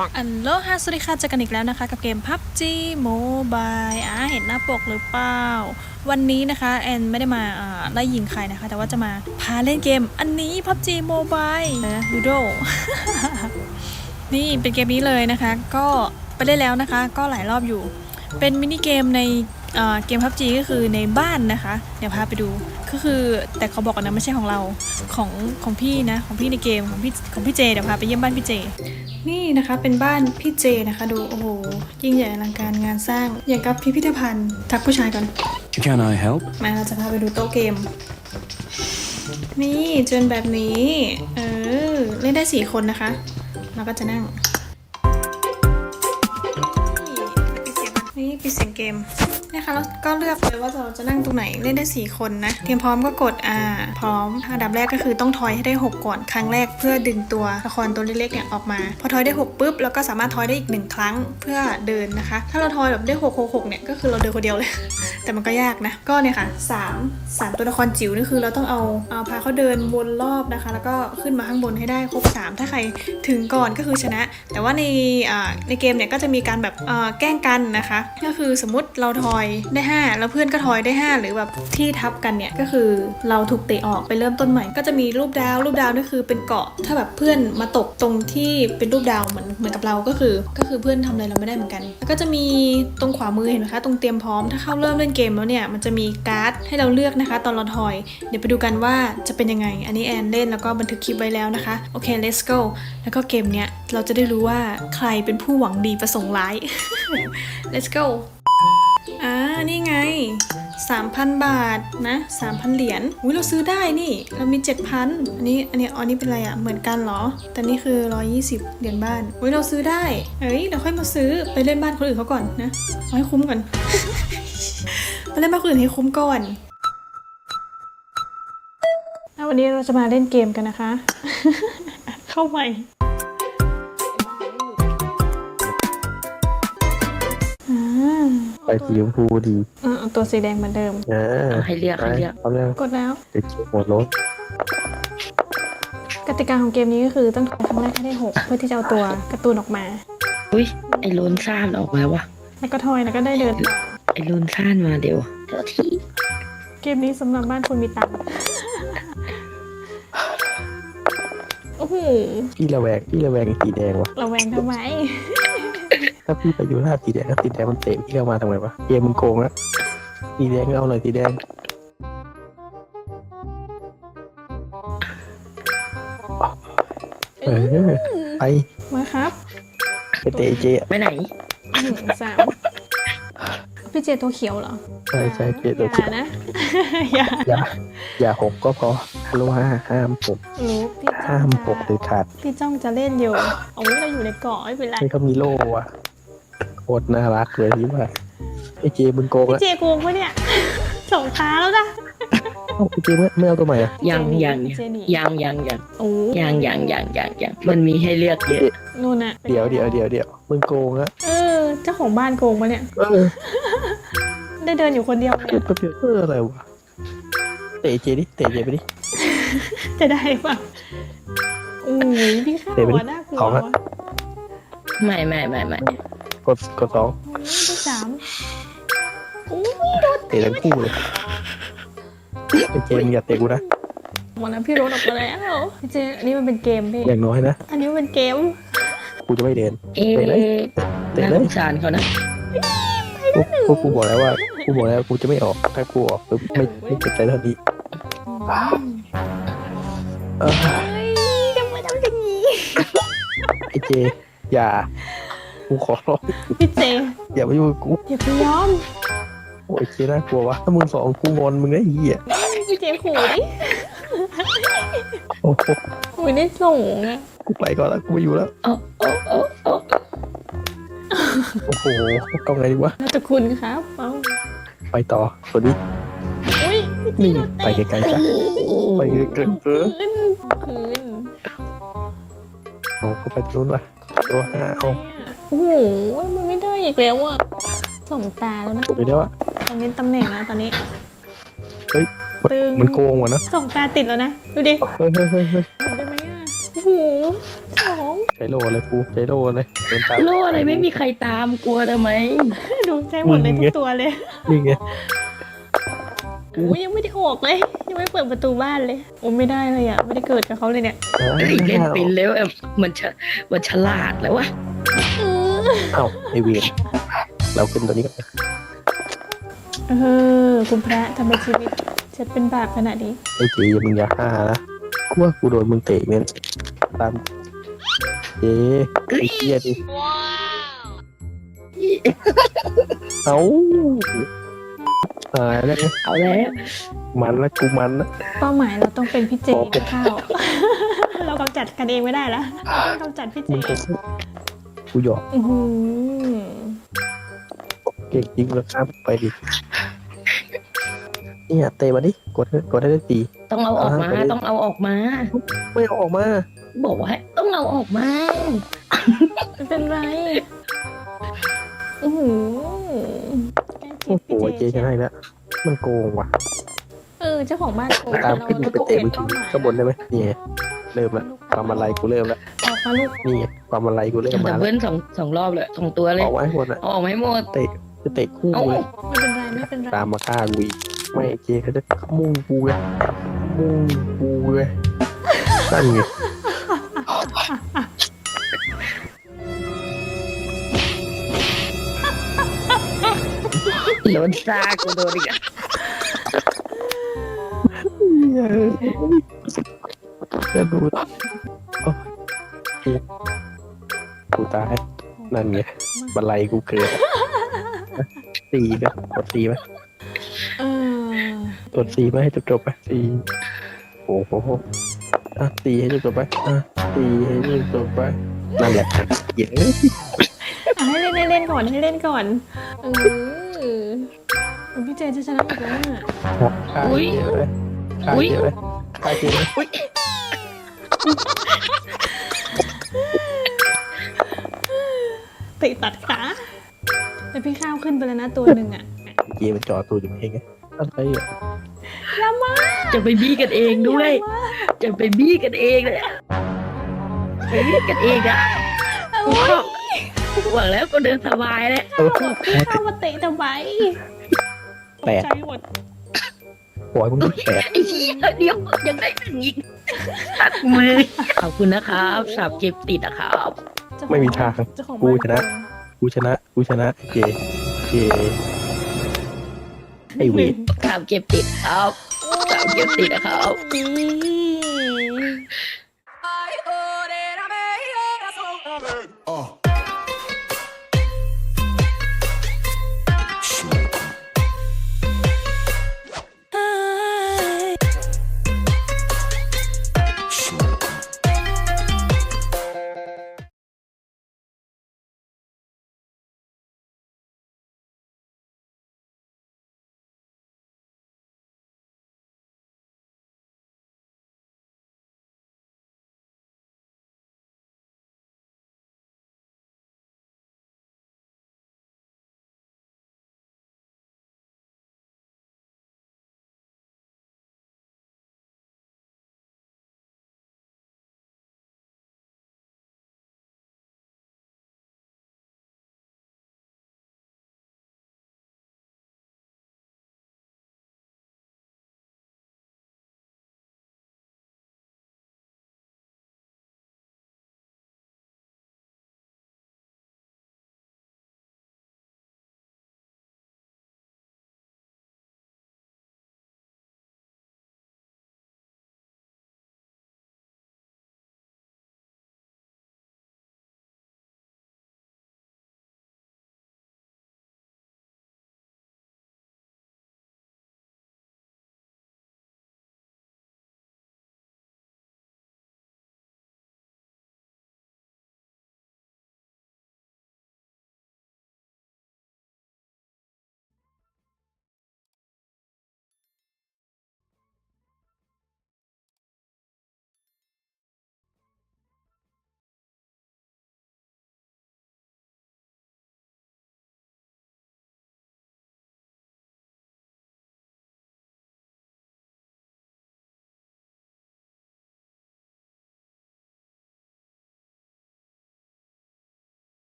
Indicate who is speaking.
Speaker 1: อันโลฮาสวัสดีค่ะเจอกันอีกแล้วนะคะกับเกม PUBG Mobile เห็นหน้าปกหรือเปล่าวันนี้นะคะแอนไม่ได้มาไล่ยิงใครนะคะแต่ว่าจะมาพาเล่นเกมอันนี้ PUBG Mobile นะลูโด นี่เป็นเกมนี้เลยนะคะก็ไปเล่นแล้วนะคะก็หลายรอบอยู่เป็นมินิเกมในเกม PUBG ก็คือในบ้านนะคะเดี๋ยวพาไปดูก็คือแต่เขาบอกกันนะไม่ใช่ของเราของพี่นะของพี่ในเกมของพี่เจเดี๋ยวพาไปเยี่ยมบ้านพี่เจนี่นะคะเป็นบ้านพี่เจนะคะดูโอ้โหยิ่งใหญ่อลังการงานสร้างอย่างกับพิพิธภัณฑ์ทักผู้ชายก่อน
Speaker 2: Can I help?
Speaker 1: มาเราจะพาไปดูโต๊ะเกมนี่จนแบบนี้เล่นได้4คนนะคะเราก็จะนั่งนี่ปิดเสียงเกมนะคะแล้วก็เลือกเลยว่าเราจะนั่งตรงไหนเล่นได้4คนนะเตรียมพร้อมก็กดพร้อมอันดับแรกก็คือต้องทอยให้ได้6ก่อนครั้งแรกเพื่อดึงตัวละครตัวเล็กๆเนี่ยออกมาพอทอยได้6ปุ๊บแล้วก็สามารถทอยได้อีก1ครั้งเพื่อเดินนะคะถ้าเราทอยแบบได้6เนี่ยก็คือเราเดินคนเดียวเลย แต่มันก็ยากนะก็เนี่ยค่ะ3ตัวละครจิ๋วนี่คือเราต้องเอาพาเขาเดินวนรอบนะคะแล้วก็ขึ้นมาข้างบนให้ได้ครบ3ถ้าใครถึงก่อนก็คือชนะแต่ว่าในเกมเนี่ยก็จะมีการแบบแกล้งกันนะคะก็คือสมมติเราทอยได้5แล้วเพื่อนก็ทอยได้5หรือแบบที่ทับกันเนี่ยก็คือเราถูกเตะออกไปเริ่มต้นใหม่ก็จะมีรูปดาวนี่คือเป็นเกาะถ้าแบบเพื่อนมาตกตรงที่เป็นรูปดาวเหมือนกับเราก็คือเพื่อนทำอะไรเราไม่ได้เหมือนกันแล้วก็จะมีตรงขวามือเห็นไหมคะตรงเตรียมพร้อมถ้าเข้าเริ่มเล่นเกมแล้วเนี่ยมันจะมีการ์ดให้เราเลือกนะคะตอนเราทอยเดี๋ยวไปดูกันว่าจะเป็นยังไงอันนี้แอนเล่นแล้วก็บันทึกคลิปไว้แล้วนะคะโอเค let's go แล้วก็เกมเนี้ยเราจะได้รู้ว่าใครเป็นผู้หวังดีประสงค์ร้าย let's go นี่ไง 3,000 บาทนะ 3,000 เหรียญอุ้ยเราซื้อได้นี่เรามี 7,000 อันนี้เป็นอะไรอะเหมือนกันเหรอแต่นี่คือ120เหรียญบ้านอุ้ยเราซื้อได้เราค่อยมาซื้อไปเล่นบ้านคนอื่นเขาก่อนนะเอาให้คุ้มก่อน ไปเล่นบ้านคนอื่นให้คุ้มก่อนวันนี้เราจะมาเล่นเกมกันนะคะ เข้าใหม่
Speaker 3: ไปสีชมพูดี
Speaker 1: ตัวสีแดงเหมือนเดิม
Speaker 4: ให้เรียกพร้อมแล้ว
Speaker 1: กดแล้ว
Speaker 3: เด็กหมดรถ
Speaker 1: กติกาของเกมนี้ก็คือต้องทำครั้งแรกให้ได้6เพื่อที่จะเอาตัวการ์ตูนออกมา
Speaker 4: อุ้ยไอโลนซ่านออกมาวะ
Speaker 1: แล้วก็ทอยแล้วก็ได้เดิน
Speaker 4: ไอโลนซ่านมาเดี๋ยวที
Speaker 1: เกมนี้สำหรับบ้านคนมีตังค์โอ้โห
Speaker 3: พี่ระแวงสีแดงวะ
Speaker 1: ระแวงทำไม
Speaker 3: ถ้าพี่ไปอยู่หน้าสีแดงสีแดงมันเตะพี่เข้ามาทำไมวะเกมมันโกงอะสีแดงก็เอาหน่อยสีแดงไป
Speaker 1: มาครับ
Speaker 3: ไปเตะเจ
Speaker 4: ไปไหน
Speaker 1: 3พี่เจตัวเขียวเหรอ
Speaker 3: ใช่เจตัวเขียว
Speaker 1: นะ
Speaker 3: อย่า6ก็พอฮัลโหลห้าม6ห้าม6เลยขาด
Speaker 1: พี่จ้องจะเล่นอยู่เราอยู่ในเกาะไม่เป็นไร
Speaker 3: เขามีโล่อะโคตรน่ารักเลยที่ว่าไอเจมึงโกงแล้ว
Speaker 1: เจโกงปะเนี่ยส่งท้าแล้วนะ
Speaker 3: ไอเจไม่เอาตัวใหม่อะ
Speaker 4: ยังมันมีให้เลือกเยอะ
Speaker 1: นู่นน่ะ
Speaker 3: เดี๋ยวมึงโกงอะ
Speaker 1: เจ้าของบ้านโกงปะเนี่ยได้เดินอยู่คนเดียว
Speaker 3: อะไรวะเตะเจไปดิ
Speaker 1: จะได้ป่ะพี่ข้าวน่ากลัว
Speaker 4: ไม่
Speaker 3: กด2
Speaker 1: ที่3
Speaker 3: เตะทั้งคู่เลยไอเจมอย่าเตะกูนะ
Speaker 1: หมดแล้วพี่รถออกมาแล้วพี่เจอันนี้มันเป็นเกมพี่
Speaker 3: อย่างน้อยนะ
Speaker 1: อันนี้มันเป็นเกม
Speaker 3: กูจะไม่เดิน
Speaker 4: เตะเลยสารเขานะ
Speaker 3: กูบอกแล้วกูจะไม่ออกถ้ากูออกไม่เจ็บใจเท่านี้
Speaker 1: ทำไมทำอย่างนี้
Speaker 3: ไอเจอย่ากูขอร้อง
Speaker 1: พี่เจ
Speaker 3: อย่ามายุ่งกับกู
Speaker 1: อย่าไปยอม
Speaker 3: โอ้ยเจน่ากลัววะถ้ามึง2กูงอนมึงได้เหี้ย
Speaker 1: พี่เจขู่ดิ
Speaker 3: โอ้โห
Speaker 1: ไม่ได้ส่งอ่ะ
Speaker 3: กูไปก่อนแล้วกูไม่อยู่แล้วโอ้โหเอาไงดีวะ
Speaker 1: น่าจะคุณครับ
Speaker 3: ไปต่อสวัสดีนี่ไปไกลๆจ้ะไปไกลๆคืนโอ้ก็ไปนู้นว่ะตัว5
Speaker 1: โอ้โหมันไม่ได้อีกแล้วอ่ะส่งตาแล้วนะ
Speaker 3: จบไปแล้วอ่ะ
Speaker 1: ตอนนี้ตำแหน่งแล้วตอนนี้
Speaker 3: เฮ้ยมันโกงว่ะนะ
Speaker 1: ส่งตาติดแล้วนะดูดิ
Speaker 3: เฮ้ย
Speaker 1: ได้ไหมอ่ะโอ้โหสอง
Speaker 3: ใจโลเลยกูใจโลเลยเดินตาม
Speaker 4: โล่อะไรไม่มีใครตามกลัวทำไม
Speaker 1: ดูใจหมดเลยทุกตัวเลย
Speaker 3: นี่ไง
Speaker 1: โอ้ยยังไม่ได้ออกเลย ยังไม่เปิดประตูบ้านเลยโอ้ไม่ได้เลยอ่ะไม่ได้เกิดกับเขาเลยเนี่ย
Speaker 4: เฮ้ยเล่นเป็นแล้วแบบมันฉลาดแล้ววะ
Speaker 3: เอ้าไอเวียนเราขึ้นตัวนี้กัน
Speaker 1: คุณพระทำไมชีวิตฉันเป็นบาปขนาดนี้
Speaker 3: ไอเจมึงอย่าฆ่านะกูว่ากูโดนมึงเตะเนี่ยตามเจไอเกียดิเอ้าตายแล้วเนี่ย
Speaker 4: เอาแล้ว
Speaker 3: มันแล้วกูมันนะ
Speaker 1: เป้าหมายเราต้องเป็นพี่เจกับข้าว เรากำจัดกันเองไม่ได้แล้วเราต้องกำจัดพี่เจ
Speaker 3: มึงก็กูหยอก
Speaker 1: อื้อหือ
Speaker 3: เก่งจริงแล้วครับไปดิเนี่ยเตะมาดิกดให้ได้ตี
Speaker 4: ต้องเอาออกมาต้องเอาออกมา
Speaker 3: ไม่เอาออกมา
Speaker 4: บอกว่าให้ต้องเอาออกมา
Speaker 1: ไม่เป็นไรอื้อหือ
Speaker 3: โอ้โหเจชนะอีกแล้วมันโกงว่ะ
Speaker 1: เจ้าของบ้านโกง
Speaker 3: ตามขึ้นไปเตะมือถือข้างบนได้ไหมนี่ไงเริ่มแล้วความอะไรกูเริ่มแล้ว
Speaker 1: ออกมาลูก
Speaker 3: นี่ไงความอะไรกูเริ่ม
Speaker 4: ดั
Speaker 3: มา
Speaker 4: บ
Speaker 3: แล้ว
Speaker 4: เบิลสองรอบเลยสองตัวเลย
Speaker 3: ออกไว้หมดอ่ะ
Speaker 4: เอาออกมาให้หมด
Speaker 3: เตะจะเตะคู่
Speaker 4: เอา
Speaker 3: กูเลย
Speaker 1: ไม่เป็นไรไม่เป็นไร
Speaker 3: ตามมาฆ่ากูอีกไม่เจเขาจะมุ่งกูเลยมุ่งกูเลยนั่นไง
Speaker 4: โดนซากูโดนอีกอะ
Speaker 3: จะดูโอ้ยกูตายนั่นไงบันไลกูเกิดตีไหมกดตีไหม
Speaker 1: เออก
Speaker 3: ดตีไหมให้จบๆไปตีโอ้โหอ่ะตีให้จบๆไปอ่ะตีให้จบๆไปนั่นแหละเยอะ
Speaker 1: ให้เล่นก่อนให้เล่นก่อนพี่เจจะชนะอีกแล้วอ่ะ
Speaker 3: ฆ่าเยอะเลยฆ่าเยอะเลยฆ่าเยอะเลย
Speaker 4: อุ๊ย
Speaker 1: ติตัดขาแต่พี่ข้าวขึ้นไปแล้วนะตัวหนึ่งอ่ะ
Speaker 3: เกมมันจอตัวอยู่เองไงอะไรอ่ะ
Speaker 1: ยามา
Speaker 4: จะไปบี้กันเองด้วย จะไปบี้กันเองเลยอะไปบี้กันเองอะหวังแล้วก็เดินสบายแล้ว
Speaker 1: เข้ามาเตะทำไมตกใจหมด
Speaker 3: ปล่อยมึงแตก
Speaker 4: ไอ้เหี้ยเดี๋ยวยังได้หนึ่งอีกตัดมือขอบคุณนะครับสับเก็บติดนะครับ
Speaker 3: ไม่มีทาง
Speaker 1: เจ้าของ
Speaker 3: กู
Speaker 1: บ้าน
Speaker 3: ชนะ กูชนะเจไอเวท
Speaker 4: สับเก็บติดครับสับเก็บติดนะครับ
Speaker 1: นี่